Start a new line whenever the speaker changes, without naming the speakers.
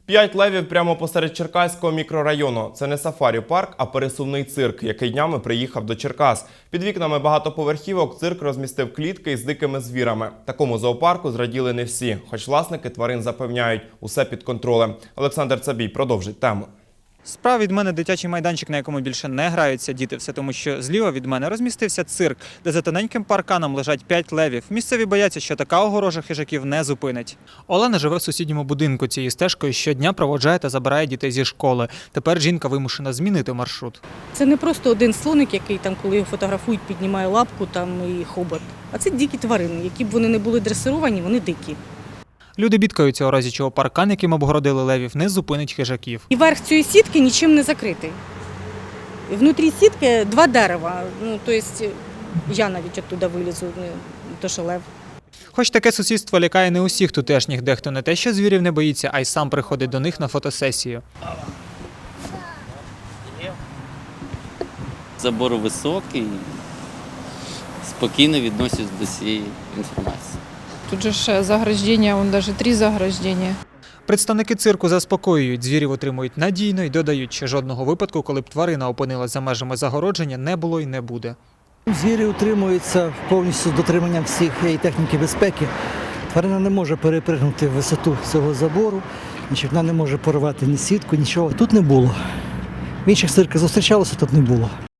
5 левів прямо посеред Черкаського мікрорайону. Це не сафарі-парк, а пересувний цирк, який днями приїхав до Черкас. Під вікнами багатоповерхівок цирк розмістив клітки із дикими звірами. Такому зоопарку зраділи не всі, хоч власники тварин запевняють, усе під контролем. Олександр Цабій продовжить тему.
Справа від мене дитячий майданчик, на якому більше не граються діти. Все тому, що зліва від мене розмістився цирк, де за тоненьким парканом лежать 5 левів. Місцеві бояться, що така огорожа хижаків не зупинить. Олена живе в сусідньому будинку. Цією стежкою щодня проводжає та забирає дітей зі школи. Тепер жінка вимушена змінити маршрут.
Це не просто один слоник, який там, коли його фотографують, піднімає лапку там і хобот. А це дикі тварини. Які б вони не були дресировані, вони дикі.
Люди бідкаються, у разі чого паркан, яким обгородили левів, не зупинить хижаків.
І верх цієї сітки нічим не закритий. Внутрі сітки 2 дерева. Тобто я навіть оттуда вилізу, не то що лев.
Хоч таке сусідство лякає не усіх тутешніх, дехто не те, що звірів не боїться, а й сам приходить до них на фотосесію.
Забор високий, спокійно відносять до цієї інформації.
Тут же ж заграждения, вон даже 3 заграждения.
Представники цирку заспокоюють, звірів отримують надійно і додають, що жодного випадку, коли б тварина опинилась за межами загородження, не було і не буде.
Звірі утримуються повністю з дотриманням всіх техніки безпеки. Тварина не може перепригнути висоту цього забору, вона не може порвати ні сітку, нічого. Тут не було. В інших цирках зустрічалося, тут не було.